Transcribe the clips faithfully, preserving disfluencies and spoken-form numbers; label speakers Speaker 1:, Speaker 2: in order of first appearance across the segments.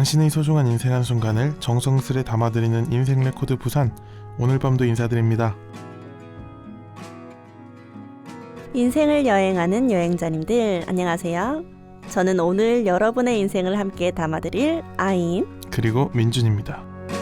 Speaker 1: 당신의 소중한 인생 한순간을 정성스레 담아드리는 인생 레코드 부산, 오늘 밤도 인사드립니다.
Speaker 2: 인생을 여행하는 여행자님들 안녕하세요. 저는 오늘 여러분의 인생을 함께 담아드릴 아인
Speaker 1: 그리고 민준입니다.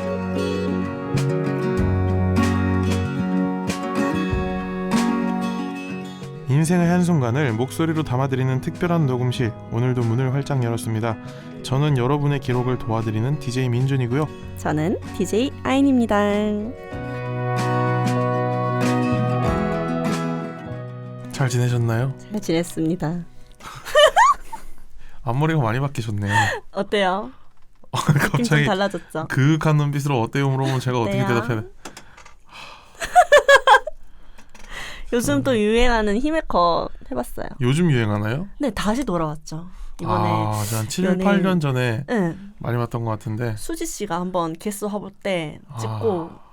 Speaker 1: 인생의 한순간을 목소리로 담아드리는 특별한 녹음실, 오늘도 문을 활짝 열었습니다. 저는 여러분의 기록을 도와드리는 디제이 민준이고요.
Speaker 2: 저는 디제이 아인입니다.
Speaker 1: 잘 지내셨나요?
Speaker 2: 잘 지냈습니다.
Speaker 1: 앞머리가 많이 바뀌셨네요.
Speaker 2: 어때요? 느낌 좀
Speaker 1: 갑자기
Speaker 2: 달라졌죠?
Speaker 1: 그윽한 눈빛으로 어때요 물어보면 제가 어떻게
Speaker 2: 어때요?
Speaker 1: 대답해야 돼?
Speaker 2: 요즘 또 유행하는 히메컷 해봤어요.
Speaker 1: 요즘 유행하나요?
Speaker 2: 네, 다시 돌아왔죠. 이번에
Speaker 1: 아, 한 칠,
Speaker 2: 연예인-
Speaker 1: 팔 년 전에
Speaker 2: 네,
Speaker 1: 많이 봤던 것 같은데.
Speaker 2: 수지 씨가 한번 게스트 화보 때 찍고
Speaker 1: 아.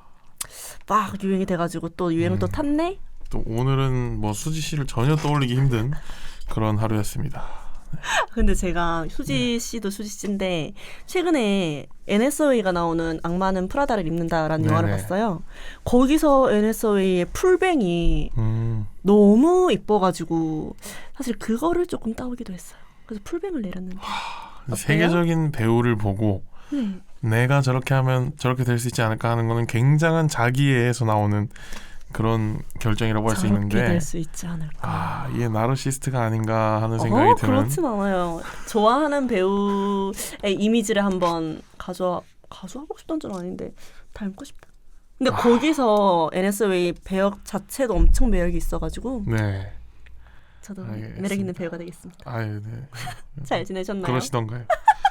Speaker 2: 막 유행이 돼가지고 또 유행을
Speaker 1: 음.
Speaker 2: 또 탔네?
Speaker 1: 또 오늘은 뭐 수지 씨를 전혀 떠올리기 힘든 그런 하루였습니다.
Speaker 2: 근데 제가 수지 씨도 수지 씨인데 최근에 엔에스오에이가 나오는 악마는 프라다를 입는다라는
Speaker 1: 네네.
Speaker 2: 영화를 봤어요. 거기서 엔에스오에이의 풀뱅이
Speaker 1: 음,
Speaker 2: 너무 이뻐가지고 사실 그거를 조금 따오기도 했어요. 그래서 풀뱅을 내렸는데 어때요?
Speaker 1: 세계적인 배우를 보고
Speaker 2: 네.
Speaker 1: 내가 저렇게 하면 저렇게 될 수 있지 않을까 하는 거는 굉장한 자기애에서 나오는 그런 결정이라고 할 수
Speaker 2: 저렇게
Speaker 1: 있는데,
Speaker 2: 될 수 있지 않을까.
Speaker 1: 아, 이게 나르시스트가 아닌가 하는 생각이
Speaker 2: 어,
Speaker 1: 드는.
Speaker 2: 그렇진 않아요. 좋아하는 배우의 이미지를 한번 가져와 가져하고 싶다는 건 아닌데 닮고 싶다. 근데
Speaker 1: 아.
Speaker 2: 거기서 엔에스오에이 배역 자체도 엄청 매력이 있어가지고
Speaker 1: 네.
Speaker 2: 저도
Speaker 1: 알겠습니다.
Speaker 2: 매력 있는 배우가 되겠습니다.
Speaker 1: 아유, 네.
Speaker 2: 잘 지내셨나요?
Speaker 1: 그러시던가요?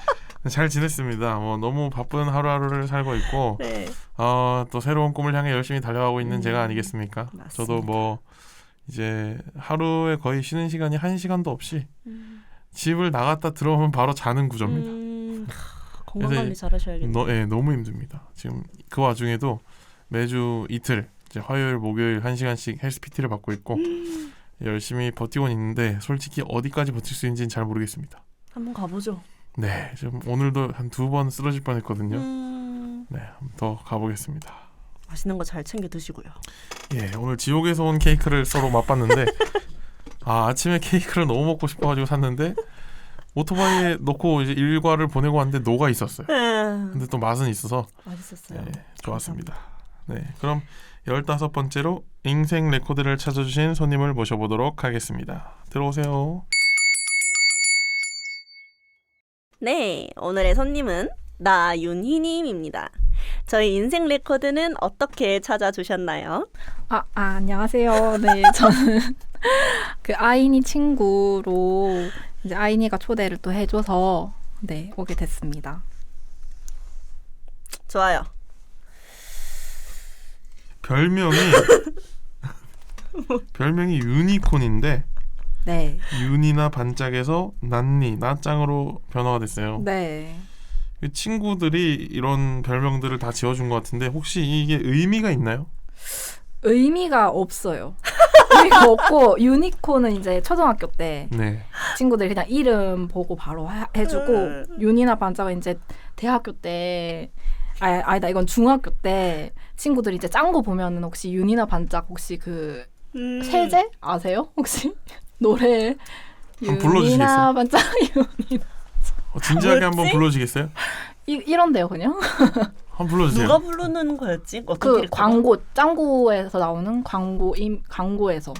Speaker 1: 잘 지냈습니다. 뭐 너무 바쁜 하루하루를 살고 있고,
Speaker 2: 네.
Speaker 1: 어, 또 새로운 꿈을 향해 열심히 달려가고 있는
Speaker 2: 음,
Speaker 1: 제가 아니겠습니까?
Speaker 2: 맞습니다.
Speaker 1: 저도 뭐 이제 하루에 거의 쉬는 시간이 한 시간도 없이
Speaker 2: 음,
Speaker 1: 집을 나갔다 들어오면 바로 자는 구조입니다.
Speaker 2: 음, 하, 건강
Speaker 1: 그래서
Speaker 2: 관리 잘하셔야겠네요.
Speaker 1: 너, 예, 너무 힘듭니다. 지금 그 와중에도 매주 이틀 이제 화요일, 목요일 한 시간씩 헬스 피티를 받고 있고
Speaker 2: 음.
Speaker 1: 열심히 버티고 있는데 솔직히 어디까지 버틸 수 있는지는 잘 모르겠습니다.
Speaker 2: 한번 가보죠.
Speaker 1: 네, 지금 오늘도 한 두 번 쓰러질 뻔했거든요.
Speaker 2: 음,
Speaker 1: 네, 한번 더 가보겠습니다.
Speaker 2: 맛있는 거 잘 챙겨 드시고요.
Speaker 1: 예, 오늘 지옥에서 온 케이크를 서로 맛봤는데 아, 아침에 케이크를 너무 먹고 싶어가지고 샀는데 오토바이에 놓고 이제 일과를 보내고 왔는데 녹아 있었어요.
Speaker 2: 음,
Speaker 1: 근데 또 맛은 있어서
Speaker 2: 맛있었어요.
Speaker 1: 네, 좋았습니다. 네, 그럼 열다섯 번째로 인생 레코드를 찾아주신 손님을 모셔보도록 하겠습니다. 들어오세요.
Speaker 2: 네, 오늘의 손님은 나윤희님입니다. 저희 인생 레코드는 어떻게 찾아주셨나요?
Speaker 3: 아, 아 안녕하세요. 네, 저는 그 아이니 친구로 이제 아이니가 초대를 또 해줘서 네 오게 됐습니다.
Speaker 2: 좋아요.
Speaker 1: 별명이 별명이 유니콘인데
Speaker 3: 네,
Speaker 1: 윤이나 반짝에서 난니, 나짱으로 변화가 됐어요.
Speaker 3: 네.
Speaker 1: 그 친구들이 이런 별명들을 다 지어준 것 같은데 혹시 이게 의미가 있나요?
Speaker 3: 의미가 없어요. 의미가 없고 유니콘은 이제 초등학교 때
Speaker 1: 네.
Speaker 3: 친구들이 그냥 이름 보고 바로 하, 해주고 윤이나 반짝은 이제 대학교 때 아, 아니다 이건 중학교 때 친구들이 이제 짱구 보면은 혹시 윤이나 반짝 혹시 그
Speaker 2: 음.
Speaker 3: 세제 아세요? 혹시 노래
Speaker 1: 한번 불러주시겠어요?
Speaker 3: 윤이나 반짝 윤이
Speaker 1: 어, 진지하게 한번
Speaker 2: 뭐였지?
Speaker 1: 불러주시겠어요?
Speaker 3: 이, 이런데요 그냥
Speaker 1: 한번 불러주세요.
Speaker 2: 누가 부르는 거였지? 어떤
Speaker 3: 그
Speaker 2: 캐릭터가?
Speaker 3: 광고 짱구에서 나오는 광고 임 광고에서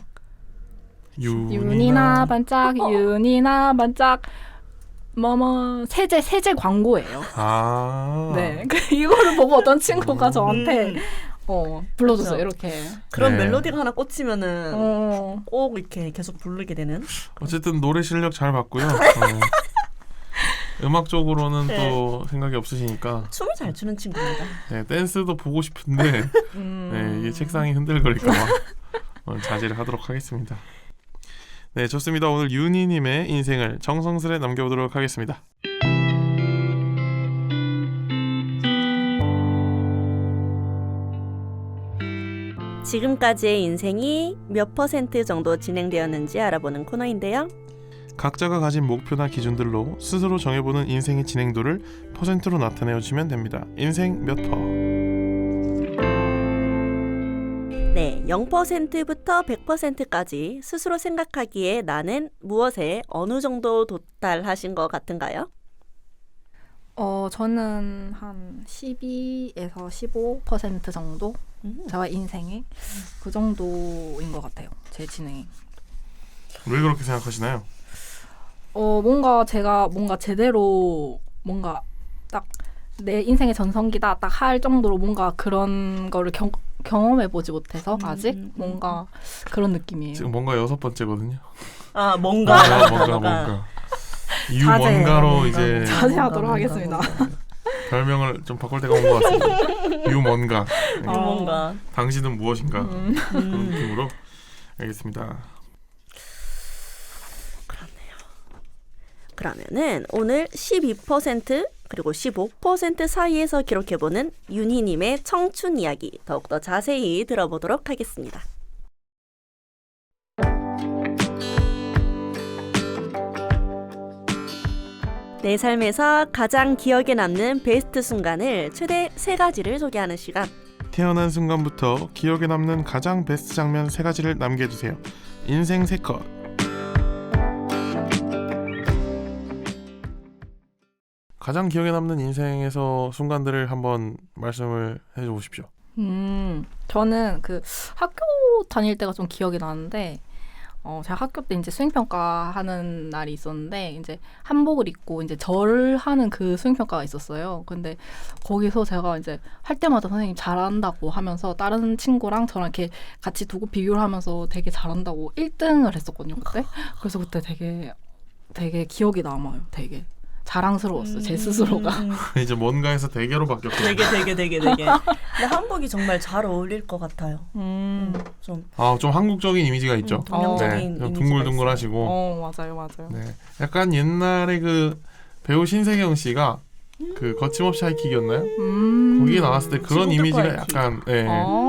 Speaker 3: 윤이나 반짝
Speaker 2: 어.
Speaker 3: 윤이나 반짝 뭐뭐 세제 세제 광고예요.
Speaker 1: 아.
Speaker 3: 네, 그 이거를 보고 어떤 친구가 저한테
Speaker 2: 음,
Speaker 3: 어 불러줬어요
Speaker 2: 그렇죠.
Speaker 3: 이렇게.
Speaker 2: 그런
Speaker 1: 네.
Speaker 2: 멜로디가 하나 꽂히면은
Speaker 3: 어,
Speaker 2: 꼭 이렇게 계속 부르게 되는.
Speaker 1: 어쨌든 노래 실력 잘 봤고요. 어. 음악적으로는
Speaker 2: 네.
Speaker 1: 또 생각이 없으시니까
Speaker 2: 춤을 잘 추는 친구입니다.
Speaker 1: 네, 댄스도 보고 싶은데
Speaker 3: 음.
Speaker 1: 네, 이게 책상이 흔들거릴까봐 오늘 자제를 하도록 하겠습니다. 네, 좋습니다. 오늘 윤희님의 인생을 정성스레 남겨보도록 하겠습니다.
Speaker 2: 지금까지의 인생이 몇 퍼센트 정도 진행되었는지 알아보는 코너인데요.
Speaker 1: 각자가 가진 목표나 기준들로 스스로 정해보는 인생의 진행도를 퍼센트로 나타내어 주시면 됩니다. 인생 몇 퍼?
Speaker 2: 네, 영 퍼센트부터 백 퍼센트까지 스스로 생각하기에 나는 무엇에 어느 정도 도달하신 것 같은가요?
Speaker 3: 어, 저는 한 십이에서 십오 퍼센트 정도?
Speaker 2: 음.
Speaker 3: 저의 인생에 그 정도인 것 같아요. 제 진행이.
Speaker 1: 왜 그렇게 생각하시나요?
Speaker 3: 어, 뭔가 제가 뭔가 제대로 뭔가 딱 내 인생의 전성기다 딱 할 정도로 뭔가 그런 거를 경, 경험해보지 못해서
Speaker 2: 음,
Speaker 3: 아직
Speaker 2: 음,
Speaker 3: 뭔가 그런 느낌이에요.
Speaker 1: 지금 뭔가 여섯 번째거든요.
Speaker 2: 아, 뭔가.
Speaker 1: 뭔가 뭔가 뭔가 유
Speaker 3: 자제.
Speaker 1: 뭔가로 이제
Speaker 3: 자제하도록
Speaker 2: 뭔가,
Speaker 3: 하겠습니다.
Speaker 2: 뭔가.
Speaker 1: 별명을 좀 바꿀 때가 온 것 같습니다. 유 뭔가. 네.
Speaker 2: 아, 뭔가.
Speaker 1: 당신은 무엇인가
Speaker 3: 음.
Speaker 1: 그런
Speaker 2: 음.
Speaker 1: 느낌으로 알겠습니다.
Speaker 2: 그러면은 오늘 십이 퍼센트 그리고 십오 퍼센트 사이에서 기록해보는 윤희님의 청춘 이야기 더욱더 자세히 들어보도록 하겠습니다. 내 삶에서 가장 기억에 남는 베스트 순간을 최대 세 가지를 소개하는 시간.
Speaker 1: 태어난 순간부터 기억에 남는 가장 베스트 장면 세 가지를 남겨주세요. 인생 세 컷. 가장 기억에 남는 인생에서 순간들을 한번 말씀을 해줘 보십시오.
Speaker 3: 음, 저는 그 학교 다닐 때가 좀 기억이 나는데, 어, 제가 학교 때 이제 수행평가 하는 날이 있었는데, 이제 한복을 입고 이제 절 하는 그 수행평가가 있었어요. 근데 거기서 제가 이제 할 때마다 선생님 잘한다고 하면서 다른 친구랑 저랑 이렇게 같이 두고 비교를 하면서 되게 잘한다고 일 등을 했었거든요, 그때. 그래서 그때 되게, 되게 기억이 남아요, 되게. 자랑스러웠어요, 제 스스로가.
Speaker 2: 음,
Speaker 1: 이제 뭔가에서 대게로 바뀌었고.
Speaker 2: 되게 되게 되게 되게. 근데 한복이 정말 잘 어울릴 것 같아요.
Speaker 3: 음.
Speaker 2: 음, 좀
Speaker 1: 아, 좀 한국적인 이미지가 있죠.
Speaker 2: 음, 동양적인
Speaker 1: 네,
Speaker 2: 이미지가
Speaker 1: 좀 둥글둥글하시고.
Speaker 3: 어, 맞아요, 맞아요.
Speaker 1: 네, 약간 옛날에 그 배우 신세경 씨가 그 거침없이 하이킥이었나요?
Speaker 3: 음.
Speaker 1: 거기에 나왔을 때 그런
Speaker 2: 지구도
Speaker 1: 이미지가
Speaker 2: 하이킥.
Speaker 1: 약간 네.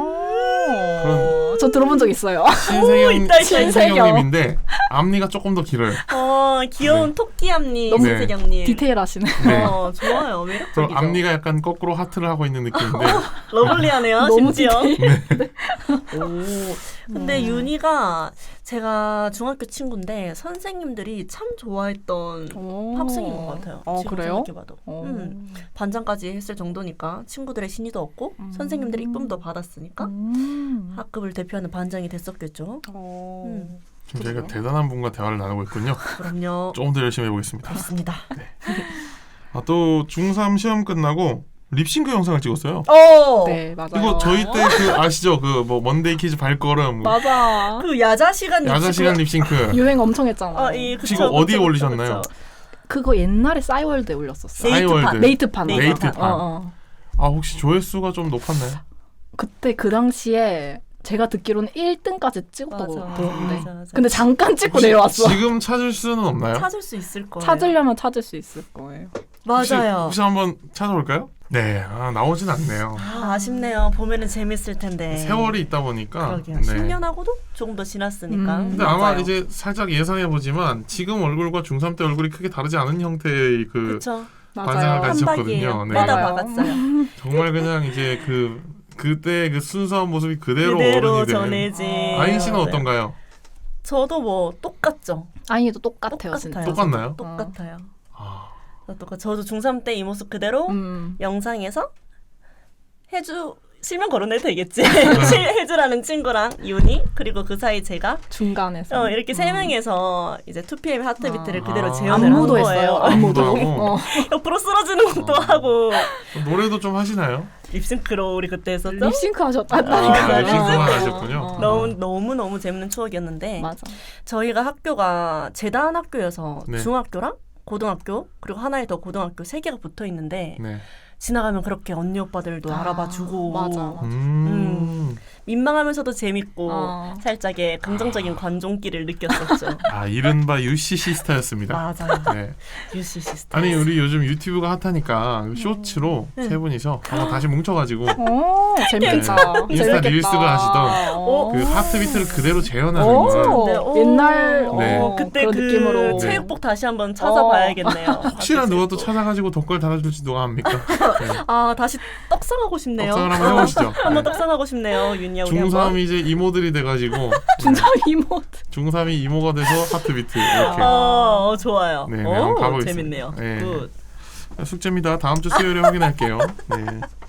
Speaker 3: 아~
Speaker 1: 그런-
Speaker 3: 저 들어본 적 있어요.
Speaker 1: 신세경
Speaker 2: 있다, 있다,
Speaker 1: 신세경님인데 앞니가 조금 더 길어요.
Speaker 2: 어, 귀여운
Speaker 1: 네.
Speaker 2: 토끼암님,
Speaker 1: 너무
Speaker 2: 신세경님.
Speaker 3: 디테일하시네.
Speaker 1: 네.
Speaker 2: 어, 좋아요.
Speaker 1: 그리고
Speaker 2: 매력적이죠.
Speaker 1: 앞니가 약간 거꾸로 하트를 하고 있는 느낌인데
Speaker 2: 러블리하네요,
Speaker 3: 너무
Speaker 2: 심지어.
Speaker 1: 네.
Speaker 2: 오, 근데
Speaker 3: 음.
Speaker 2: 윤희가 제가 중학교 친구인데 선생님들이 참 좋아했던
Speaker 3: 오.
Speaker 2: 학생인 것 같아요.
Speaker 3: 어,
Speaker 2: 지금
Speaker 3: 그래요?
Speaker 2: 생각해봐도.
Speaker 3: 어.
Speaker 2: 음, 반장까지 했을 정도니까 친구들의 신의도 얻고
Speaker 3: 음.
Speaker 2: 선생님들의 이쁨도 받았으니까
Speaker 3: 음.
Speaker 2: 학급을 대표하는 반장이 됐었겠죠.
Speaker 3: 어.
Speaker 2: 음.
Speaker 1: 지금 저희가 대단한 분과 대화를 나누고 있군요.
Speaker 2: 그럼요.
Speaker 1: 조금 더 열심히 해보겠습니다.
Speaker 2: 그렇습니다.
Speaker 1: 아, 또 중삼 시험 끝나고 립싱크 영상을 찍었어요.
Speaker 2: 어,
Speaker 3: 네, 맞아요.
Speaker 1: 이거 저희 때 그 아시죠? 그 뭐 먼데이 키즈 발걸음, 뭐
Speaker 3: 맞아.
Speaker 2: 그 야자 시간
Speaker 1: 야자 시간 립싱크.
Speaker 3: 유행 엄청 했잖아.
Speaker 2: 아, 예, 그쵸,
Speaker 1: 지금
Speaker 2: 그쵸,
Speaker 1: 어디에
Speaker 2: 그쵸,
Speaker 1: 올리셨나요?
Speaker 2: 그쵸.
Speaker 3: 그거 옛날에 싸이월드에 올렸었어.
Speaker 2: 네이트판.
Speaker 1: 싸이월드.
Speaker 3: 네이트판. 맞아.
Speaker 1: 네이트판.
Speaker 3: 어, 어.
Speaker 1: 아, 혹시 조회수가 좀 높았나요?
Speaker 3: 그때 그 당시에 제가 듣기로는 일 등까지 찍었다고
Speaker 2: 맞아,
Speaker 3: 들었는데.
Speaker 2: 맞아, 맞아.
Speaker 3: 근데 잠깐 찍고 내려왔어.
Speaker 1: 지금 찾을 수는 없나요?
Speaker 2: 찾을 수 있을 거예요.
Speaker 3: 찾으려면 찾을 수 있을 거예요.
Speaker 1: 혹시,
Speaker 2: 맞아요.
Speaker 1: 혹시 한번 찾아볼까요? 네, 아, 나오진 않네요.
Speaker 2: 아, 아쉽네요. 보면은 재밌을 텐데.
Speaker 1: 세월이 있다 보니까.
Speaker 2: 그러게요.
Speaker 1: 네.
Speaker 2: 십 년 하고도 조금 더 지났으니까.
Speaker 3: 음.
Speaker 1: 근데 아마
Speaker 2: 맞아요.
Speaker 1: 이제 살짝 예상해 보지만 지금 얼굴과 중삼 때 얼굴이 크게 다르지 않은 형태의 그
Speaker 2: 그쵸.
Speaker 1: 관상을
Speaker 3: 맞아요.
Speaker 1: 가지-
Speaker 2: 한박이에요.
Speaker 1: 가지셨거든요. 네.
Speaker 2: 빼다
Speaker 3: 맞아요.
Speaker 2: 박았어요.
Speaker 1: 정말 그냥 이제 그 그때 그 순수한 모습이 그대로,
Speaker 2: 그대로
Speaker 1: 어른이 된.
Speaker 2: 전해지.
Speaker 1: 아인 씨는
Speaker 2: 맞아요.
Speaker 1: 어떤가요?
Speaker 2: 저도 뭐 똑같죠.
Speaker 3: 아이도 똑같아요, 진짜.
Speaker 1: 똑같나요?
Speaker 2: 똑같아요.
Speaker 1: 아,
Speaker 2: 저 똑같. 저도 중삼 때 이 모습 그대로
Speaker 3: 음.
Speaker 2: 영상에서 해주 실명 거론해도 되겠지. 실- 해주라는 친구랑 윤희 그리고 그 사이 제가
Speaker 3: 중간에서.
Speaker 2: 어, 이렇게 세
Speaker 3: 음.
Speaker 2: 명에서 이제 투피엠 하트비트를
Speaker 3: 아.
Speaker 2: 그대로
Speaker 1: 아.
Speaker 2: 재현을 한
Speaker 3: 안무도
Speaker 2: 거예요.
Speaker 3: 했어요.
Speaker 1: 안무도
Speaker 3: 안무도.
Speaker 1: 하고?
Speaker 3: 어.
Speaker 2: 옆으로 쓰러지는 것도
Speaker 1: 어.
Speaker 2: 하고
Speaker 1: 노래도 좀 하시나요?
Speaker 2: 립싱크로 우리 그때 했었죠.
Speaker 3: 립싱크
Speaker 1: 아,
Speaker 3: 하셨다니까요.
Speaker 1: 립싱크만 하셨군요.
Speaker 3: 어.
Speaker 2: 너무 너무 너무 재밌는 추억이었는데
Speaker 3: 맞아.
Speaker 2: 저희가 학교가 재단 학교여서
Speaker 1: 네.
Speaker 2: 중학교랑 고등학교 그리고 하나에 더 고등학교 세 개가 붙어 있는데
Speaker 1: 네.
Speaker 2: 지나가면 그렇게 언니 오빠들도
Speaker 3: 아,
Speaker 2: 알아봐 주고
Speaker 3: 맞아.
Speaker 1: 음.
Speaker 2: 민망하면서도 재밌고
Speaker 3: 어.
Speaker 2: 살짝의 긍정적인 관종기를 느꼈었죠.
Speaker 1: 아 이른바 유씨 시스타였습니다.
Speaker 2: 맞아요.
Speaker 1: 네.
Speaker 2: 유씨 시스터.
Speaker 1: 아니 우리 요즘 유튜브가 핫하니까 쇼츠로
Speaker 2: 네.
Speaker 1: 세 분이서 한번 다시 뭉쳐가지고
Speaker 3: 오, 재밌겠다.
Speaker 1: 네. 인스타
Speaker 3: 재밌겠다.
Speaker 1: 릴스가 하시던
Speaker 3: 오.
Speaker 1: 그 하트비트를 그대로 재현하는
Speaker 3: 오,
Speaker 1: 걸
Speaker 2: 네, 오.
Speaker 3: 옛날
Speaker 1: 네.
Speaker 3: 어,
Speaker 2: 그때
Speaker 3: 그런
Speaker 2: 그
Speaker 3: 느낌으로
Speaker 2: 체육복 다시 한번 찾아봐야겠네요.
Speaker 1: 혹시나 누가 또 찾아가지고 덧글 달아줄지 누가 합니까? 네.
Speaker 2: 아 다시 떡상하고 싶네요.
Speaker 1: 떡상을 한번 해보시죠.
Speaker 2: 한번
Speaker 1: 네.
Speaker 2: 떡상하고 싶네요. 윤이야 우리 한번.
Speaker 1: 중삼이 이제 이모들이 돼가지고
Speaker 3: 진짜 이모.
Speaker 1: 중삼이 이모가 돼서 하트비트 이렇게.
Speaker 2: 어, 좋아요.
Speaker 1: 네, 네,
Speaker 2: 오,
Speaker 1: 한번 가보겠습니다.
Speaker 2: 재밌네요.
Speaker 1: 네.
Speaker 2: 굿.
Speaker 1: 숙제입니다. 다음 주 수요일에 확인할게요. 네.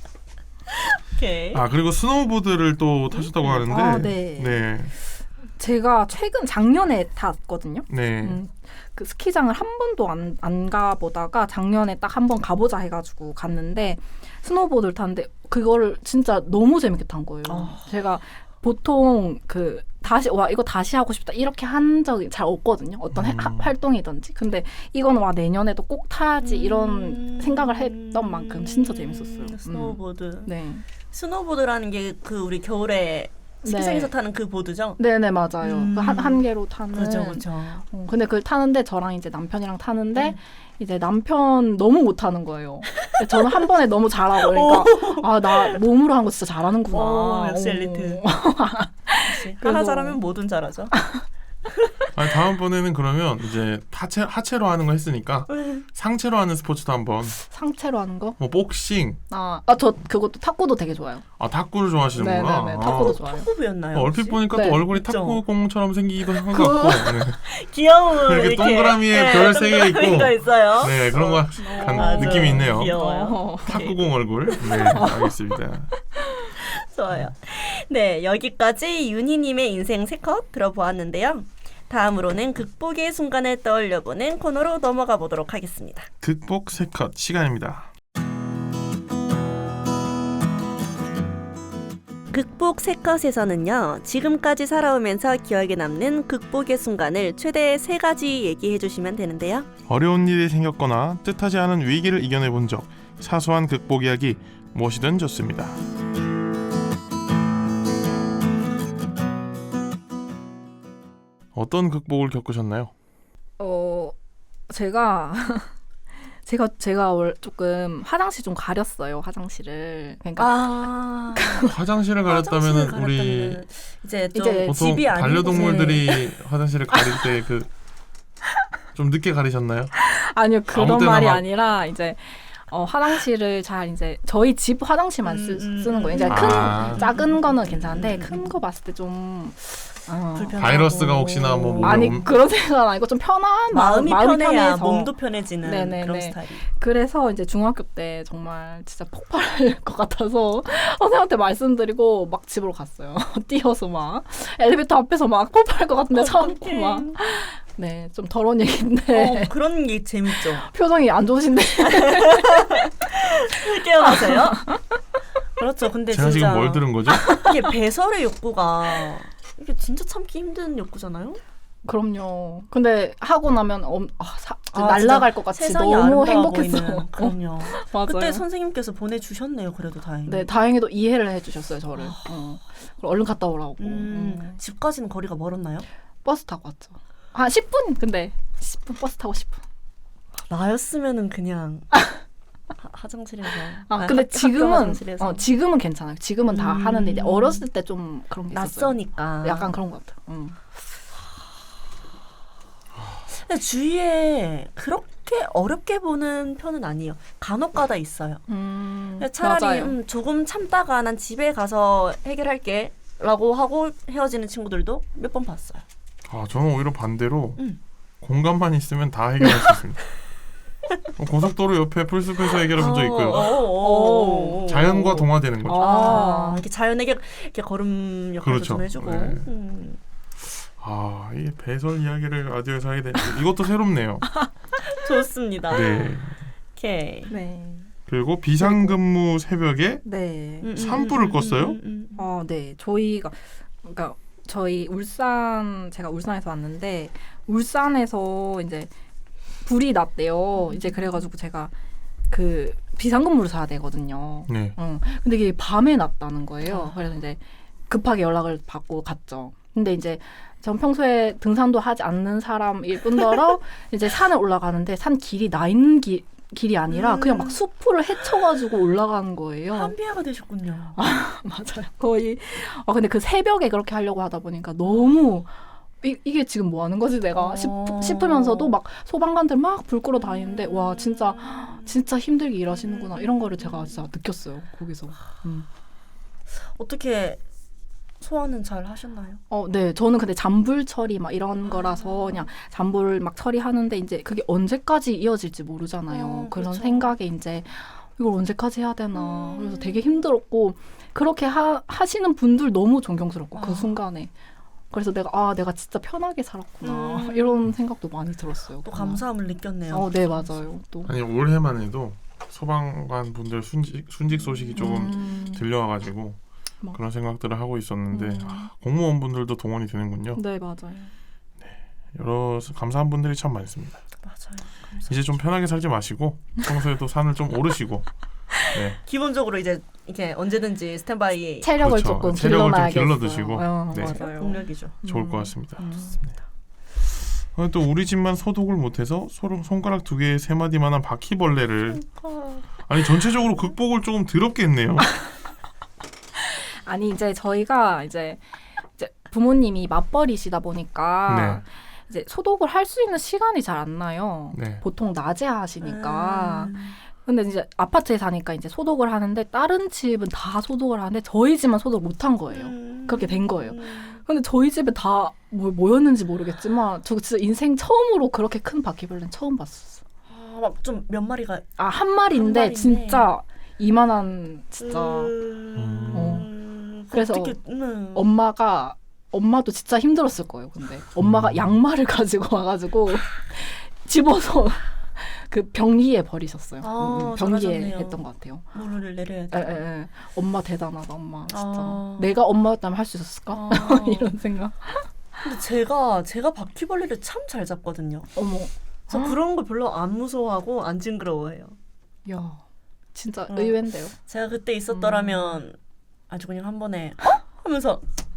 Speaker 2: 오케이.
Speaker 1: 아 그리고 스노우보드를 또 타셨다고 하는데.
Speaker 3: 아, 네.
Speaker 1: 네.
Speaker 3: 제가 최근 작년에 탔거든요.
Speaker 1: 네.
Speaker 3: 음, 그 스키장을 한 번도 안, 안 가보다가 작년에 딱 한 번 가보자 해가지고 갔는데 스노보드를 탔는데 그거를 진짜 너무 재밌게 탄 거예요.
Speaker 2: 어.
Speaker 3: 제가 보통 그 다시 와 이거 다시 하고 싶다 이렇게 한 적이 잘 없거든요. 어떤 해-
Speaker 1: 음.
Speaker 3: 하- 활동이든지. 근데 이거는 와 내년에도 꼭 타야지 이런
Speaker 2: 음.
Speaker 3: 생각을 했던 만큼 진짜 재밌었어요. 음.
Speaker 2: 스노우보드.
Speaker 3: 네.
Speaker 2: 스노우보드라는 게 그 우리 겨울에 스키장에서
Speaker 3: 네.
Speaker 2: 타는 그 보드죠?
Speaker 3: 네네 맞아요.
Speaker 2: 음.
Speaker 3: 그 한, 한 개로 타는.
Speaker 2: 그죠, 그죠.
Speaker 3: 어, 근데 그걸 타는데 저랑 이제 남편이랑 타는데
Speaker 2: 음.
Speaker 3: 이제 남편 너무 못하는 거예요. 근데 저는 한 번에 너무 잘하고 그러니까 아 나 몸으로 한 거 진짜 잘하는구나.
Speaker 2: 오, 역시
Speaker 3: 어.
Speaker 2: 엘리트. 역시 하나
Speaker 3: 그래서-
Speaker 2: 잘하면 뭐든 잘하죠.
Speaker 1: 아니, 다음번에는 그러면 이제 하체 하체로 하는 거 했으니까 상체로 하는 스포츠도 한번
Speaker 3: 상체로 하는 거?
Speaker 1: 뭐 복싱,
Speaker 3: 아, 아, 저 그것도 탁구도 되게 좋아요.
Speaker 1: 아 탁구를 좋아하시는구나.
Speaker 3: 네네네,
Speaker 1: 아.
Speaker 3: 탁구도 좋아요.
Speaker 2: 탁구부였나요?
Speaker 1: 어, 얼핏
Speaker 2: 혹시?
Speaker 1: 보니까
Speaker 3: 네.
Speaker 1: 또 얼굴이
Speaker 2: 있죠.
Speaker 1: 탁구공처럼 생기기도 한 것 같고. 네.
Speaker 2: 귀여운
Speaker 1: 이렇게
Speaker 2: 이렇게
Speaker 1: 동그라미에 별 세 개 있고.
Speaker 2: 동그라미가 있어요.
Speaker 1: 네 그런 거 간-
Speaker 2: 맞아요.
Speaker 1: 느낌이 있네요.
Speaker 2: 귀여워요.
Speaker 3: 어.
Speaker 1: 탁구공 얼굴. 네 알겠습니다.
Speaker 2: 좋아요. 네, 여기까지 윤희님의 인생 세 컷 들어보았는데요. 다음으로는 극복의 순간을 떠올려보는 코너로 넘어가 보도록 하겠습니다.
Speaker 1: 극복 세 컷 시간입니다.
Speaker 2: 극복 세 컷에서는요, 지금까지 살아오면서 기억에 남는 극복의 순간을 최대 세 가지 얘기해 주시면 되는데요.
Speaker 1: 어려운 일이 생겼거나 뜻하지 않은 위기를 이겨내 본 적, 사소한 극복 이야기 무엇이든 좋습니다. 어떤 극복을 겪으셨나요?
Speaker 3: 어, 제가 제가 제가 월 조금 화장실 좀 가렸어요. 화장실을. 그러니까
Speaker 2: 아,
Speaker 1: 화장실을 가렸다면 우리
Speaker 2: 이제 좀
Speaker 3: 이제
Speaker 1: 보통
Speaker 2: 집이 아닌
Speaker 1: 반려동물들이 화장실을 가릴 때 그 좀 늦게 가리셨나요?
Speaker 3: 아니요
Speaker 1: 아무
Speaker 3: 그런
Speaker 1: 때나
Speaker 3: 말이
Speaker 1: 막-
Speaker 3: 아니라 이제 어, 화장실을 잘 이제 저희 집 화장실만 쓰,
Speaker 2: 음, 음,
Speaker 3: 쓰는 거예요. 이제
Speaker 2: 음.
Speaker 3: 큰
Speaker 1: 아.
Speaker 3: 작은 거는 괜찮은데
Speaker 2: 음, 음.
Speaker 3: 큰 거 봤을 때 좀 어.
Speaker 2: 불편하고.
Speaker 1: 바이러스가 혹시나 뭐 몸에
Speaker 3: 아니
Speaker 1: 옴-
Speaker 3: 그런 생각은 아니고 좀 편한
Speaker 2: 마음이,
Speaker 3: 마음, 마음이
Speaker 2: 편해야
Speaker 3: 편해서.
Speaker 2: 몸도 편해지는
Speaker 3: 네네네.
Speaker 2: 그런 스타일.
Speaker 3: 그래서 이제 중학교 때 정말 진짜 폭발할 것 같아서 선생님한테 말씀드리고 막 집으로 갔어요. 뛰어서 막 엘리베이터 앞에서 막 폭발할 것 같은데 참고 막. 네, 좀 더러운 얘기인데
Speaker 2: 어, 그런 게 재밌죠.
Speaker 3: 표정이 안 좋으신데.
Speaker 2: 깨어나세요? 그렇죠. 근데
Speaker 1: 제가
Speaker 2: 진짜
Speaker 1: 지금 뭘 들은 거죠?
Speaker 2: 이게 배설의 욕구가 이게 진짜 참기 힘든 욕구잖아요.
Speaker 3: 그럼요. 근데 하고 나면 엄, 아, 사,
Speaker 2: 아,
Speaker 3: 날아갈 것 같이
Speaker 2: 세상이
Speaker 3: 너무
Speaker 2: 아름다워
Speaker 3: 행복했어.
Speaker 2: 보이는. 그럼요.
Speaker 3: 맞아요.
Speaker 2: 그때 선생님께서 보내주셨네요. 그래도 다행히.
Speaker 3: 네, 다행히도 이해를 해주셨어요 저를. 어. 그리고 얼른 갔다 오라고.
Speaker 2: 음,
Speaker 3: 음.
Speaker 2: 집까지는 거리가 멀었나요?
Speaker 3: 버스 타고 왔죠. 한 십 분 근데 십 분 버스 타고 십 분.
Speaker 2: 나였으면은 그냥 하, 화장실에서.
Speaker 3: 아,
Speaker 2: 아니,
Speaker 3: 근데
Speaker 2: 학- 학교
Speaker 3: 지금은
Speaker 2: 화장실에서.
Speaker 3: 어, 지금은 괜찮아요. 지금은 다
Speaker 2: 음.
Speaker 3: 하는데 이제 어렸을 때 좀 그런 게 있었어요.
Speaker 2: 낯서니까.
Speaker 3: 약간 그런 것 같아요. 음.
Speaker 2: 근데 주위에 그렇게 어렵게 보는 편은 아니에요. 간혹가다 있어요.
Speaker 3: 음,
Speaker 2: 차라리
Speaker 3: 맞아요.
Speaker 2: 음, 조금 참다가 난 집에 가서 해결할게 라고 하고 헤어지는 친구들도 몇 번 봤어요.
Speaker 1: 아 저는 오히려 반대로
Speaker 2: 음.
Speaker 1: 공간만 있으면 다 해결할 수 있습니다. 어, 고속도로 옆에 풀숲에서 해결한 적 있고요.
Speaker 2: 오, 오, 오.
Speaker 1: 자연과 동화되는 거죠.
Speaker 2: 아, 이렇게 자연에게 이렇게 걸음 역할도
Speaker 1: 그렇죠.
Speaker 2: 좀 해주고.
Speaker 1: 네.
Speaker 2: 음.
Speaker 1: 아, 이 배설 이야기를 라디오에서 하게 되 이것도 새롭네요.
Speaker 2: 좋습니다.
Speaker 1: 네.
Speaker 2: 오케이.
Speaker 3: 네.
Speaker 1: 그리고 비상근무 새벽에
Speaker 3: 네.
Speaker 2: 음, 음,
Speaker 1: 산불을
Speaker 2: 음,
Speaker 1: 껐어요?
Speaker 2: 음, 음, 음.
Speaker 3: 어, 네. 저희가 그러니까 저희 울산 제가 울산에서 왔는데 울산에서 이제 불이 났대요. 이제 그래가지고 제가 그 비상근무를 사야 되거든요.
Speaker 1: 네.
Speaker 3: 어. 근데 이게 밤에 났다는 거예요. 그래서 이제 급하게 연락을 받고 갔죠. 근데 이제 전 평소에 등산도 하지 않는 사람일 뿐더러 이제 산을 올라가는데 산 길이 나 있는 길 길이 아니라
Speaker 2: 음.
Speaker 3: 그냥 막 숲을 헤쳐가지고 올라가는 거예요.
Speaker 2: 한비아가 되셨군요.
Speaker 3: 맞아요. 거의. 아 근데 그 새벽에 그렇게 하려고 하다 보니까 너무 이, 이게 지금 뭐 하는 거지 내가 싶,
Speaker 2: 어.
Speaker 3: 싶으면서도 막 소방관들 막 불 끄러 다니는데 와 진짜 진짜 힘들게 일하시는구나 이런 거를 제가 진짜 느꼈어요 거기서. 음.
Speaker 2: 어떻게 소화는 잘 하셨나요?
Speaker 3: 어, 네. 저는 근데 잔불 처리 막 이런 거라서 그냥 잔불 막 처리하는데 이제 그게 언제까지 이어질지 모르잖아요.
Speaker 2: 어,
Speaker 3: 그런
Speaker 2: 그렇죠.
Speaker 3: 생각에 이제 이걸 언제까지 해야 되나.
Speaker 2: 음.
Speaker 3: 그래서 되게 힘들었고 그렇게 하, 하시는 분들 너무 존경스럽고 그
Speaker 2: 아.
Speaker 3: 순간에. 그래서 내가 아 내가 진짜 편하게 살았구나
Speaker 2: 음.
Speaker 3: 이런 생각도 많이 들었어요.
Speaker 2: 또
Speaker 3: 그날.
Speaker 2: 감사함을 느꼈네요.
Speaker 3: 어, 네 맞아요. 또
Speaker 1: 아니 올해만 해도 소방관 분들 순직 순직 소식이 조금
Speaker 3: 음.
Speaker 1: 들려와가지고
Speaker 3: 막.
Speaker 1: 그런 생각들을 하고 있었는데
Speaker 3: 음.
Speaker 1: 아, 공무원분들도 동원이 되는군요.
Speaker 3: 네 맞아요.
Speaker 1: 여러 감사한 분들이 참 많습니다.
Speaker 2: 맞아요. 감사합니다.
Speaker 1: 이제 좀 편하게 살지 마시고 평소에도 산을 좀 오르시고 네.
Speaker 2: 기본적으로 이제 이렇게 언제든지 스탠바이
Speaker 3: 체력을
Speaker 1: 그렇죠.
Speaker 3: 조금
Speaker 1: 체력을 좀
Speaker 3: 길러놔야겠어요.
Speaker 1: 길러두시고.
Speaker 3: 어,
Speaker 1: 네.
Speaker 3: 맞아요.
Speaker 2: 동력이죠.
Speaker 1: 좋을
Speaker 3: 음.
Speaker 1: 것 같습니다.
Speaker 3: 음.
Speaker 1: 어, 또 우리 집만 소독을 못해서 소, 손가락 두 개에 세 마디만한 바퀴벌레를 아니 전체적으로 극복을 조금 더럽게 했네요.
Speaker 3: 아니 이제 저희가 이제, 이제 부모님이 맞벌이시다 보니까
Speaker 1: 네.
Speaker 3: 이제 소독을 할 수 있는 시간이 잘 안 나요.
Speaker 1: 네.
Speaker 3: 보통 낮에 하시니까.
Speaker 2: 음.
Speaker 3: 근데 이제 아파트에 사니까 이제 소독을 하는데 다른 집은 다 소독을 하는데 저희 집만 소독 못 한 거예요.
Speaker 2: 음.
Speaker 3: 그렇게 된 거예요.
Speaker 2: 음.
Speaker 3: 근데 저희 집에 다 뭐, 뭐였는지 모르겠지만 저 진짜 인생 처음으로 그렇게 큰 바퀴벌레는 처음 봤었어.
Speaker 2: 아, 막 좀 몇 마리가
Speaker 3: 아, 한 마리인데,
Speaker 2: 한 마리인데.
Speaker 3: 진짜 이만한 진짜
Speaker 2: 음.
Speaker 3: 어. 그래서
Speaker 2: 어떻게, 음.
Speaker 3: 엄마가 엄마도 진짜 힘들었을 거예요. 근데 엄마가
Speaker 1: 음.
Speaker 3: 양말을 가지고 와가지고 집어서 그 병기에 버리셨어요.
Speaker 2: 아,
Speaker 3: 음, 음, 병기에
Speaker 2: 잘하셨네요.
Speaker 3: 했던 것 같아요.
Speaker 2: 물을 내려야
Speaker 3: 에,
Speaker 2: 돼.
Speaker 3: 에, 에. 엄마 대단하다, 엄마 진짜.
Speaker 2: 아.
Speaker 3: 내가 엄마였다면 할 수 있었을까?
Speaker 2: 아.
Speaker 3: 이런 생각.
Speaker 2: 근데 제가 제가 바퀴벌레를 참 잘 잡거든요.
Speaker 3: 어머,
Speaker 2: 저 그런 거 별로 안 무서워하고 안 징그러워해요.
Speaker 3: 야, 진짜
Speaker 2: 어.
Speaker 3: 의외인데요.
Speaker 2: 제가 그때 있었더라면 아주 그냥 한 번에 어? 하면서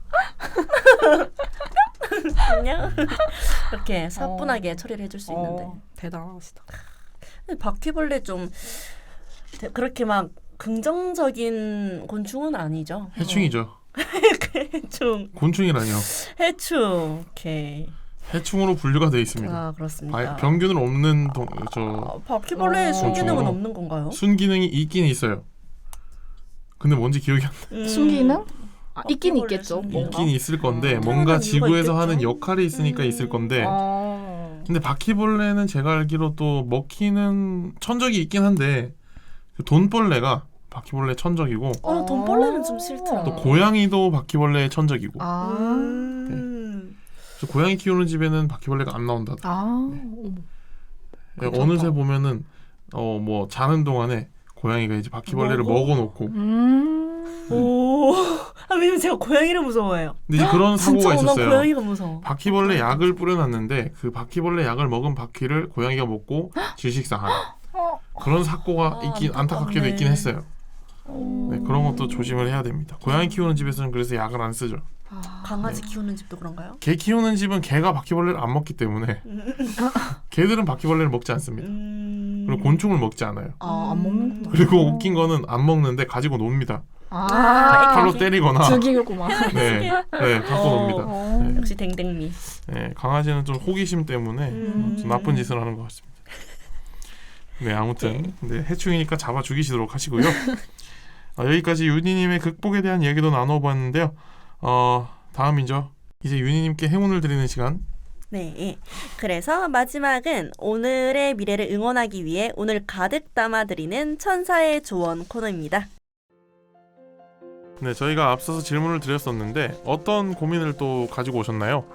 Speaker 2: 그냥 이렇게 사뿐하게 처리를 해줄 수 있는데
Speaker 3: 어, 대단하시다.
Speaker 2: 근데 바퀴벌레 좀 대- 그렇게 막 긍정적인 곤충은 아니죠.
Speaker 1: 해충이죠.
Speaker 2: 해충,
Speaker 1: 곤충이라뇨.
Speaker 2: 해충, 오케이.
Speaker 1: 해충으로 분류가 되어 있습니다.
Speaker 2: 아 그렇습니다.
Speaker 1: 바, 병균을 없는 동, 저
Speaker 2: 아, 바퀴벌레의
Speaker 3: 어.
Speaker 2: 순기능은
Speaker 1: 곤충으로.
Speaker 2: 없는 건가요?
Speaker 1: 순기능이 있긴 있어요. 근데 뭔지 기억이 안 나.
Speaker 2: 음,
Speaker 3: 순기능? 아, 있긴
Speaker 2: 바퀴벌레
Speaker 3: 있겠죠.
Speaker 2: 순기능.
Speaker 3: 뭔가.
Speaker 1: 있긴 있을 건데
Speaker 2: 음.
Speaker 1: 뭔가
Speaker 2: 태어난
Speaker 1: 지구에서
Speaker 2: 이유가
Speaker 1: 하는
Speaker 2: 있겠죠?
Speaker 1: 역할이 있으니까
Speaker 2: 음.
Speaker 1: 있을 건데
Speaker 3: 어.
Speaker 1: 근데 바퀴벌레는 제가 알기로 또 먹히는 천적이 있긴 한데 그 돈벌레가 바퀴벌레 천적이고
Speaker 2: 어, 돈벌레는 좀 싫더라.
Speaker 1: 또 고양이도 바퀴벌레 천적이고
Speaker 3: 아,
Speaker 2: 음.
Speaker 1: 그래서 고양이 키우는 집에는 바퀴벌레가 안 나온다.
Speaker 3: 아, 어머. 괜찮다.
Speaker 1: 어느새 보면은 어 뭐 자는 동안에 고양이가 이제 바퀴벌레를
Speaker 2: 먹어?
Speaker 1: 먹어놓고
Speaker 3: 음.
Speaker 2: 오. 아, 왜냐면 제가 고양이를 무서워해요.
Speaker 1: 근데 이제 그런
Speaker 2: 진짜
Speaker 1: 사고가
Speaker 2: 난
Speaker 1: 있었어요.
Speaker 2: 고양이가 무서워.
Speaker 1: 바퀴벌레 약을 뿌려놨는데 그 바퀴벌레 약을 먹은 바퀴를 고양이가 먹고 질식사하는
Speaker 3: 어.
Speaker 1: 그런 사고가
Speaker 2: 아,
Speaker 1: 있긴
Speaker 2: 안타깝네.
Speaker 1: 안타깝게도 있긴 했어요.
Speaker 3: 어.
Speaker 1: 네, 그런 것도 조심을 해야 됩니다. 고양이 키우는 집에서는 그래서 약을 안 쓰죠.
Speaker 3: 아.
Speaker 2: 강아지 키우는 집도 그런가요?
Speaker 1: 개 키우는 집은 개가 바퀴벌레를 안 먹기 때문에 개들은 바퀴벌레를 먹지 않습니다.
Speaker 2: 음.
Speaker 1: 그리고 곤충을 먹지 않아요.
Speaker 3: 아, 안 먹는구나.
Speaker 1: 그리고 웃긴 거는 안 먹는데 가지고 놉니다.
Speaker 3: 아,
Speaker 1: 칼로 때리거나
Speaker 3: 죽이겠구만.
Speaker 1: 네, 네 갖고
Speaker 2: 어.
Speaker 1: 놉니다.
Speaker 3: 어.
Speaker 1: 네.
Speaker 2: 역시 댕댕미.
Speaker 1: 네, 강아지는 좀 호기심 때문에
Speaker 2: 음.
Speaker 1: 좀 나쁜 짓을 하는 것 같습니다. 네, 아무튼 네, 해충이니까 잡아 죽이시도록 하시고요. 아, 여기까지 윤희님의 극복에 대한 얘기도 나눠봤는데요. 어, 다음이죠. 이제 윤희님께 행운을 드리는 시간.
Speaker 2: 네. 그래서 마지막은 오늘의 미래를 응원하기 위해 오늘 가득 담아드리는 천사의 조언 코너입니다.
Speaker 1: 네, 저희가 앞서서 질문을 드렸었는데 어떤 고민을 또 가지고 오셨나요?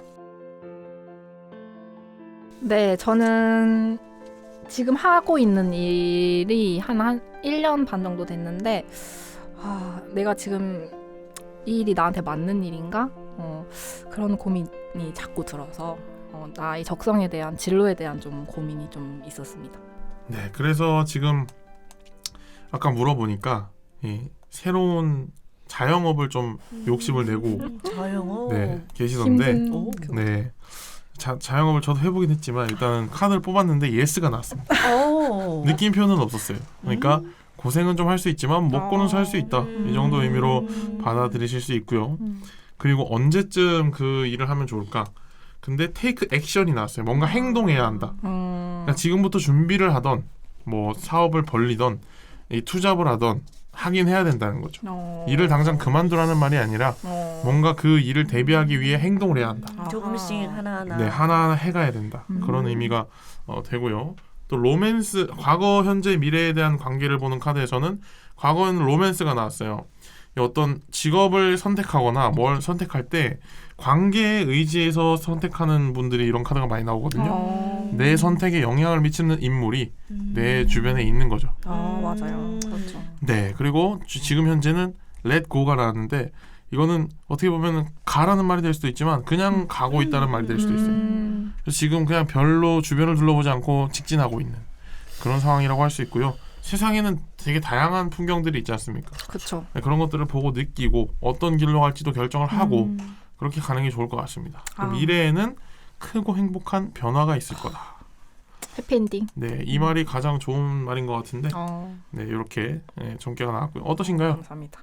Speaker 3: 네, 저는 지금 하고 있는 일이 한, 한 일 년 반 정도 됐는데 아, 내가 지금 이 일이 나한테 맞는 일인가? 어, 그런 고민이 자꾸 들어서 어, 나의 적성에 대한 진로에 대한 좀 고민이 좀 있었습니다.
Speaker 1: 네, 그래서 지금 아까 물어보니까 이 새로운 자영업을 좀 욕심을 내고
Speaker 2: 음, 자영업.
Speaker 1: 네 계시던데
Speaker 3: 힘든
Speaker 2: 오.
Speaker 3: 그-
Speaker 1: 네 자, 자영업을 저도 해보긴 했지만 일단은 카드를 뽑았는데 예스가 나왔습니다.
Speaker 2: 오.
Speaker 1: 느낌표는 없었어요. 그러니까
Speaker 2: 음.
Speaker 1: 고생은 좀 할 수 있지만 먹고는 살 수 있다. 이 정도 의미로
Speaker 2: 음.
Speaker 1: 받아들이실 수 있고요.
Speaker 3: 음.
Speaker 1: 그리고 언제쯤 그 일을 하면 좋을까? 근데 테이크 액션이 나왔어요. 뭔가 행동해야 한다.
Speaker 3: 음.
Speaker 1: 그러니까 지금부터 준비를 하던 뭐 사업을 벌리던 이 투잡을 하던 하긴 해야 된다는 거죠.
Speaker 3: 어.
Speaker 1: 일을 당장 그만두라는 말이 아니라
Speaker 3: 어.
Speaker 1: 뭔가 그 일을 대비하기 위해 행동을 해야 한다.
Speaker 2: 음, 조금씩 하나하나.
Speaker 1: 네, 하나하나 해가야 된다.
Speaker 3: 음.
Speaker 1: 그런 의미가 어, 되고요. 또 로맨스, 과거, 현재, 미래에 대한 관계를 보는 카드에서는 과거에는 로맨스가 나왔어요. 어떤 직업을 선택하거나 뭘 선택할 때 관계에 의지해서 선택하는 분들이 이런 카드가 많이 나오거든요.
Speaker 3: 어.
Speaker 1: 내 선택에 영향을 미치는 인물이
Speaker 2: 음.
Speaker 1: 내 주변에 있는 거죠.
Speaker 3: 아
Speaker 2: 음.
Speaker 3: 맞아요. 그렇죠.
Speaker 1: 네, 그리고 지- 지금 현재는 let go가 나왔는데 이거는 어떻게 보면 가라는 말이 될 수도 있지만 그냥 가고 있다는 말이 될 수도 있어요.
Speaker 3: 음.
Speaker 1: 그래서 지금 그냥 별로 주변을 둘러보지 않고 직진하고 있는 그런 상황이라고 할 수 있고요. 세상에는 되게 다양한 풍경들이 있지 않습니까?
Speaker 3: 그렇죠.
Speaker 1: 네, 그런 것들을 보고 느끼고 어떤 길로 갈지도 결정을 하고
Speaker 3: 음.
Speaker 1: 그렇게 가는 게 좋을 것 같습니다.
Speaker 3: 아.
Speaker 1: 미래에는 크고 행복한 변화가 있을 거다.
Speaker 3: 해피엔딩.
Speaker 1: 네, 이 말이 가장 좋은 말인 것 같은데
Speaker 3: 어.
Speaker 1: 네, 이렇게 네, 전개가 나왔고요. 어떠신가요?
Speaker 3: 감사합니다.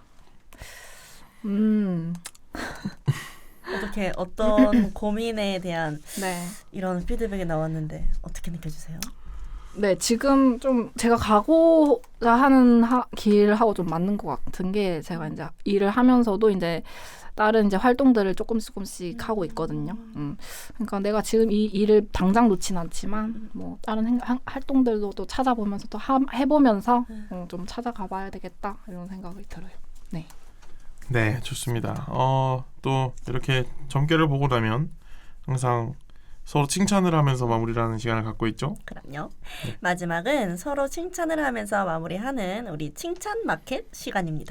Speaker 3: 음.
Speaker 2: 어떻게 어떤 고민에 대한
Speaker 3: 네.
Speaker 2: 이런 피드백이 나왔는데 어떻게 느껴지세요?
Speaker 3: 네, 지금 좀 제가 가고자 하는 하, 길하고 좀 맞는 것 같은 게 제가 이제 일을 하면서도 이제 다른 이제 활동들을 조금씩 조금씩 하고 있거든요. 음. 그러니까 내가 지금 이 일을 당장 놓진 않지만 뭐 다른 행, 한- 활동들도 또 찾아보면서 또 하, 해보면서 어, 좀 찾아가봐야 되겠다 이런 생각이 들어요.
Speaker 1: 네, 좋습니다. 어, 또 이렇게 점괘를 보고 나면 항상 서로 칭찬을 하면서 마무리를 하는 시간을 갖고 있죠.
Speaker 2: 그럼요.
Speaker 1: 네.
Speaker 2: 마지막은 서로 칭찬을 하면서 마무리하는 우리 칭찬 마켓 시간입니다.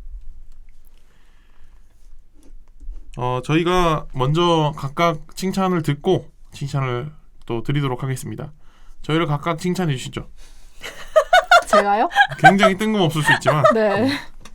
Speaker 1: 어, 저희가 먼저 각각 칭찬을 듣고 칭찬을 또 드리도록 하겠습니다. 저희를 각각 칭찬해 주시죠.
Speaker 3: 제가요?
Speaker 1: 굉장히 뜬금없을 수 있지만
Speaker 3: 네.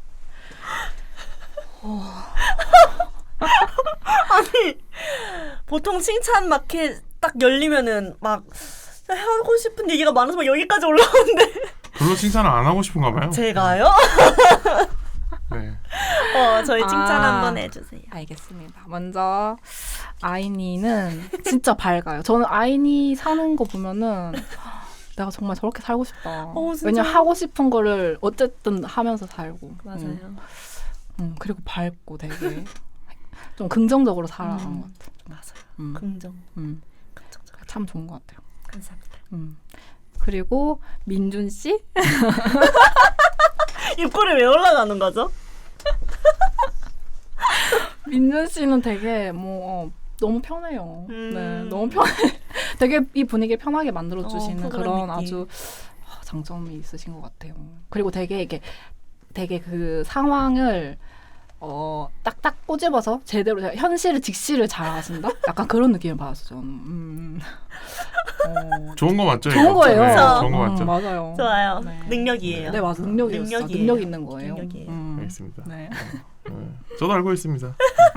Speaker 2: 보통 칭찬 마켓 딱 열리면은 막 하고 싶은 얘기가 많아서 막 여기까지 올라오는데
Speaker 1: 별로 칭찬을 안 하고 싶은가 봐요.
Speaker 2: 제가요?
Speaker 1: 네.
Speaker 2: 어, 저희 칭찬
Speaker 3: 아.
Speaker 2: 한번 해주세요.
Speaker 3: 알겠습니다. 먼저 아이니는 진짜 밝아요. 저는 아이니 사는 거 보면은 내가 정말 저렇게 살고 싶다.
Speaker 2: 어, 진짜?
Speaker 3: 왜냐 하고 싶은 거를 어쨌든 하면서 살고.
Speaker 2: 맞아요.
Speaker 3: 응. 응, 그리고 밝고 되게 좀 긍정적으로 살아가는
Speaker 2: 음.
Speaker 3: 것 같아.
Speaker 2: 맞아요.
Speaker 3: 음,
Speaker 2: 긍정.
Speaker 3: 음.
Speaker 2: 긍정적.
Speaker 3: 참 좋은 것 같아요.
Speaker 2: 감사합니다.
Speaker 3: 음. 그리고 민준 씨?
Speaker 2: 입꼬리 왜 올라가는 거죠?
Speaker 3: 민준 씨는 되게 뭐 어, 너무 편해요.
Speaker 2: 음.
Speaker 3: 네, 너무 편해. 되게 이 분위기 편하게 만들어 주시는
Speaker 2: 어,
Speaker 3: 그런
Speaker 2: 프로그램 느낌.
Speaker 3: 아주 아, 장점이 있으신 것 같아요. 그리고 되게 이게 되게 그 상황을 어 딱딱 꼬집어서 제대로 현실을 직시를 잘 하신다. 약간 그런 느낌을 받았어요. 저는. 음. 어,
Speaker 1: 좋은 거 맞죠?
Speaker 3: 좋은
Speaker 1: 이거?
Speaker 3: 거예요.
Speaker 1: 네,
Speaker 2: 그쵸?
Speaker 1: 좋은 거
Speaker 3: 음,
Speaker 1: 맞죠?
Speaker 3: 맞아요.
Speaker 2: 좋아요.
Speaker 3: 네.
Speaker 2: 능력이에요.
Speaker 3: 네, 맞아. 능력이었어.
Speaker 2: 능력이에요.
Speaker 3: 능력 있는 거예요.
Speaker 2: 능력이에요.
Speaker 3: 음.
Speaker 1: 알겠습니다.
Speaker 3: 네.
Speaker 1: 네, 저도 알고 있습니다.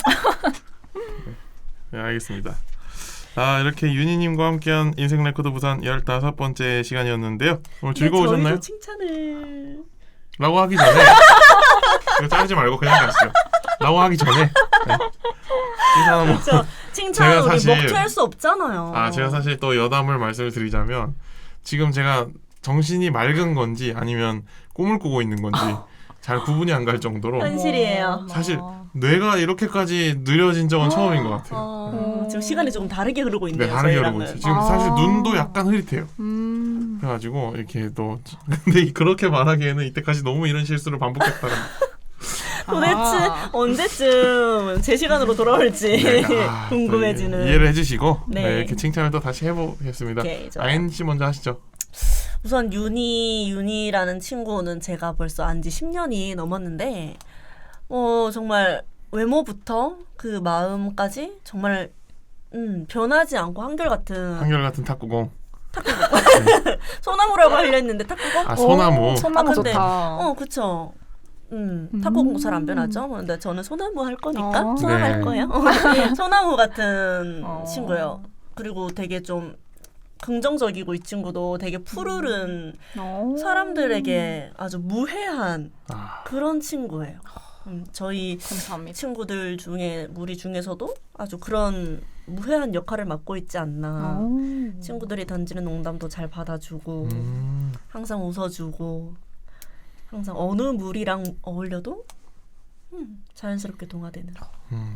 Speaker 1: 네, 알겠습니다. 아, 이렇게 윤희님과 함께한 인생 레코드 부산 열다섯 번째 시간이었는데요. 오늘 즐거우셨나요?
Speaker 2: 저희도 칭찬을
Speaker 1: 라고 하기 전에 이거 자르지 말고 그냥 가시죠. 라고 하기 전에 네. 칭찬 한번
Speaker 2: 저 칭찬
Speaker 1: 제가
Speaker 2: 우리
Speaker 1: 사실-
Speaker 2: 먹튀할 수 없잖아요.
Speaker 1: 아, 제가 사실 또 여담을 말씀을 드리자면 지금 제가 정신이 맑은 건지 아니면 꿈을 꾸고 있는 건지 잘 구분이 안 갈 정도로
Speaker 2: 현실이에요.
Speaker 1: 사실 뇌가 이렇게까지 느려진 적은 처음인 것 같아요.
Speaker 2: 어, 지금 시간이 조금 다르게 흐르고 있네요.
Speaker 1: 네, 다르게
Speaker 2: 저희랑은.
Speaker 1: 흐르고 있어요. 지금
Speaker 3: 아.
Speaker 1: 사실 눈도 약간 흐릿해요.
Speaker 3: 음.
Speaker 1: 그래가지고 이렇게 또 근데 그렇게 말하기에는 이때까지 너무 이런 실수를 반복했다는
Speaker 2: 도대체
Speaker 3: 아.
Speaker 2: 언제쯤 제 시간으로 돌아올지
Speaker 1: 네, 아, 또
Speaker 2: 궁금해지는.
Speaker 1: 이해를 해주시고
Speaker 2: 네.
Speaker 1: 네, 이렇게 칭찬을 또 다시 해보겠습니다.
Speaker 2: 오케이, 좋아요.
Speaker 1: 아인 씨 먼저 하시죠.
Speaker 2: 우선 윤희 윤희라는 친구는 제가 벌써 안지 십 년이 넘었는데 어 정말 외모부터 그 마음까지 정말 음, 변하지 않고 한결같은
Speaker 1: 한결같은 탁구공.
Speaker 2: 소나무라고 하려 했는데 탁구공?
Speaker 1: 아, 소나무.
Speaker 3: 오, 소나무
Speaker 2: 아, 근데-
Speaker 3: 좋다.
Speaker 2: 어 그쵸. 음,
Speaker 3: 음.
Speaker 2: 탁구공도 잘 안 변하죠. 근데 저는 소나무 할 거니까
Speaker 3: 어.
Speaker 2: 소나무
Speaker 1: 네.
Speaker 2: 할 거예요. 소나무 같은
Speaker 3: 어.
Speaker 2: 친구예요. 그리고 되게 좀 긍정적이고 이 친구도 되게 푸르른
Speaker 3: 어.
Speaker 2: 사람들에게 아주 무해한
Speaker 1: 아,
Speaker 2: 그런 친구예요. 음, 저희
Speaker 3: 감사합니다.
Speaker 2: 친구들 중에 무리 중에서도 아주 그런 무해한 역할을 맡고 있지 않나.
Speaker 3: 어.
Speaker 2: 친구들이 던지는 농담도 잘 받아주고
Speaker 1: 음,
Speaker 2: 항상 웃어주고 항상 어느 무리랑 어울려도 음, 자연스럽게 동화되는.
Speaker 1: 음.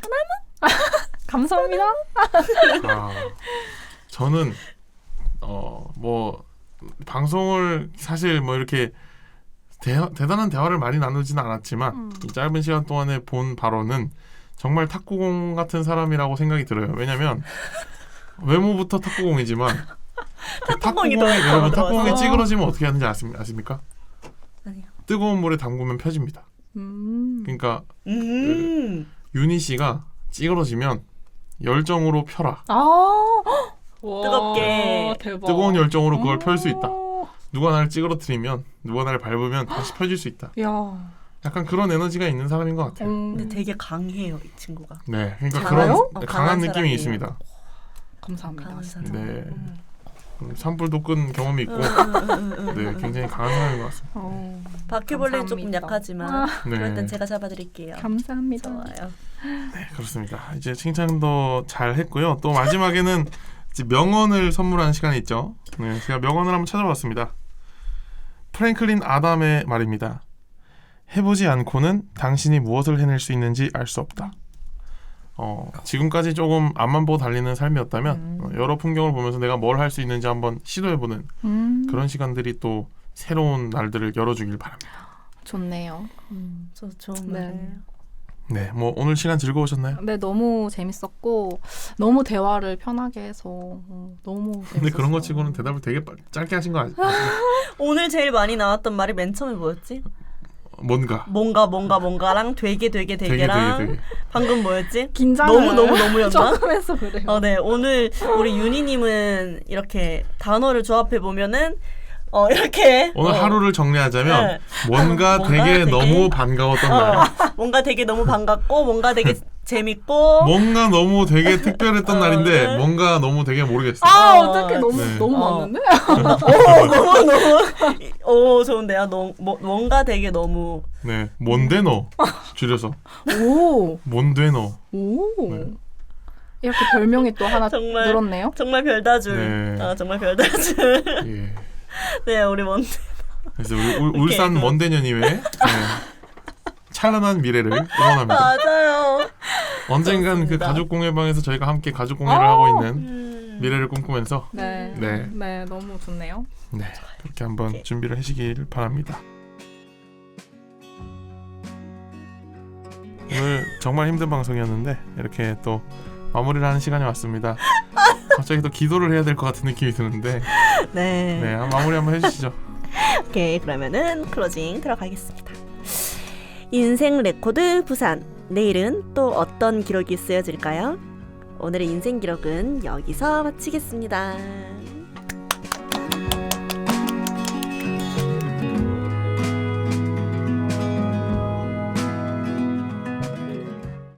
Speaker 3: 감사합니다.
Speaker 1: 아, 저는 어 뭐 방송을 사실 뭐 이렇게 대, 대단한 대화를 많이 나누지는 않았지만
Speaker 3: 음.
Speaker 1: 이 짧은 시간 동안에 본 바로는 정말 탁구공 같은 사람이라고 생각이 들어요. 왜냐면 외모부터 탁구공이지만 그
Speaker 2: 탁구공이
Speaker 1: 탁구공
Speaker 2: 더
Speaker 1: 여러분
Speaker 2: 들어가서.
Speaker 1: 탁구공이 찌그러지면 어떻게 하는지 아십, 아십니까?
Speaker 2: 아니요.
Speaker 1: 뜨거운 물에 담그면 펴집니다.
Speaker 3: 음.
Speaker 1: 그러니까
Speaker 2: 음.
Speaker 1: 윤희 씨가 찌그러지면 열정으로 펴라.
Speaker 3: 아.
Speaker 2: 뜨겁게.
Speaker 3: 와, 대박.
Speaker 1: 뜨거운 열정으로 그걸 펼 수 있다.
Speaker 3: 오.
Speaker 1: 누가 나를 찌그러뜨리면 누가 나를 밟으면 다시 펴질 수 있다.
Speaker 3: 야.
Speaker 1: 약간 그런 에너지가 있는 사람인 것 같아요.
Speaker 3: 음.
Speaker 2: 근데 되게 강해요 이 친구가.
Speaker 1: 네, 그러니까
Speaker 3: 강해요?
Speaker 1: 그런
Speaker 2: 어,
Speaker 1: 네,
Speaker 2: 강한
Speaker 1: 강한 느낌이
Speaker 2: 사람이에요.
Speaker 1: 있습니다.
Speaker 3: 감사합니다.
Speaker 2: 강한
Speaker 3: 진짜.
Speaker 2: 사람.
Speaker 1: 네,
Speaker 2: 음.
Speaker 1: 음, 산불도 끈 경험이 있고,
Speaker 2: 음, 음, 음, 음,
Speaker 1: 네,
Speaker 2: 음.
Speaker 1: 굉장히 강한 사람인 것 같습니다.
Speaker 3: 어.
Speaker 2: 바퀴벌레는 조금
Speaker 3: 감사합니다.
Speaker 2: 약하지만
Speaker 3: 아,
Speaker 2: 그럴 땐
Speaker 1: 네,
Speaker 2: 제가 잡아드릴게요.
Speaker 3: 감사합니다.
Speaker 2: 좋아요.
Speaker 1: 네, 그렇습니다. 이제 칭찬도 잘 했고요. 또 마지막에는 이제 명언을 선물하는 시간이 있죠. 네, 제가 명언을 한번 찾아봤습니다. 프랭클린 아담의 말입니다. 해보지 않고는 당신이 무엇을 해낼 수 있는지 알 수 없다. 어, 지금까지 조금 앞만 보고 달리는 삶이었다면
Speaker 3: 음.
Speaker 1: 어, 여러 풍경을 보면서 내가 뭘 할 수 있는지 한번 시도해보는
Speaker 3: 음.
Speaker 1: 그런 시간들이 또 새로운 날들을 열어주길 바랍니다.
Speaker 3: 좋네요.
Speaker 2: 음, 저 좋은
Speaker 3: 네.
Speaker 2: 말이에요.
Speaker 1: 네, 뭐 오늘 시간 즐거우셨나요?
Speaker 3: 네, 너무 재밌었고 너무 대화를 편하게 해서 어, 너무 재밌었어요.
Speaker 1: 근데 그런 거 치고는 대답을 되게 빠- 짧게 하신 거 아시죠?
Speaker 2: 오늘 제일 많이 나왔던 말이 맨 처음에 뭐였지?
Speaker 1: 뭔가
Speaker 2: 뭔가 뭔가 뭔가랑 되게 되게
Speaker 1: 되게
Speaker 2: 되게랑
Speaker 1: 되게 되게
Speaker 2: 방금 뭐였지?
Speaker 3: 긴장을
Speaker 2: 너무 너무 너무였나?
Speaker 3: 조금 해서 그래요.
Speaker 2: 어, 네. 오늘 우리 윤희님은 이렇게 단어를 조합해 보면은 어 이렇게
Speaker 1: 오늘
Speaker 2: 어,
Speaker 1: 하루를 정리하자면
Speaker 2: 네.
Speaker 1: 뭔가,
Speaker 2: 뭔가
Speaker 1: 되게,
Speaker 2: 되게-
Speaker 1: 너무 반가웠던 날,
Speaker 2: 어, 뭔가 되게 너무 반갑고 뭔가 되게 재밌고
Speaker 1: 뭔가 너무 되게 특별했던
Speaker 2: 어,
Speaker 1: 날인데
Speaker 2: 네.
Speaker 1: 뭔가 너무 되게 모르겠어요.
Speaker 3: 아,
Speaker 2: 어,
Speaker 3: 어떻게 너무
Speaker 1: 네.
Speaker 3: 너무
Speaker 2: 어.
Speaker 3: 많은데?
Speaker 2: 오 너무 너무 오 좋은데요. 너, 뭐, 뭔가 되게 너무
Speaker 1: 네, 뭔데 너 줄여서
Speaker 3: 오.
Speaker 1: 뭔데 너.
Speaker 3: 오.
Speaker 1: 네.
Speaker 3: 이렇게 별명이 또 하나
Speaker 2: 정말
Speaker 3: 늘었네요.
Speaker 2: 정말 별다줄.
Speaker 1: 네.
Speaker 2: 아 정말 별다줄.
Speaker 1: 예.
Speaker 2: 네 우리 뭔
Speaker 1: 그래서 우리 울, 울산
Speaker 2: 그-
Speaker 1: 먼데년이회 네. 찬란한 미래를 응원합니다.
Speaker 2: 맞아요.
Speaker 1: 언젠간 그
Speaker 2: 그렇습니다.
Speaker 1: 가족 공예방에서 저희가 함께 가족 공예를
Speaker 3: 아.
Speaker 1: 하고 있는
Speaker 2: 음.
Speaker 1: 미래를 꿈꾸면서
Speaker 3: 네.
Speaker 1: 네.
Speaker 3: 네, 너무 좋네요.
Speaker 1: 네, 그렇게 한번
Speaker 2: 오케이.
Speaker 1: 준비를 하시길 바랍니다. 오늘 정말 힘든 방송이었는데 이렇게 또 마무리를 하는 시간이 왔습니다. 갑자기 또 기도를 해야 될 것 같은 느낌이 드는데
Speaker 2: 네.
Speaker 1: 네, 한 마무리 한번 해주시죠.
Speaker 2: 오케이 그러면은 클로징 들어가겠습니다. 인생 레코드 부산. 내일은 또 어떤 기록이 쓰여질까요? 오늘의 인생 기록은 여기서 마치겠습니다.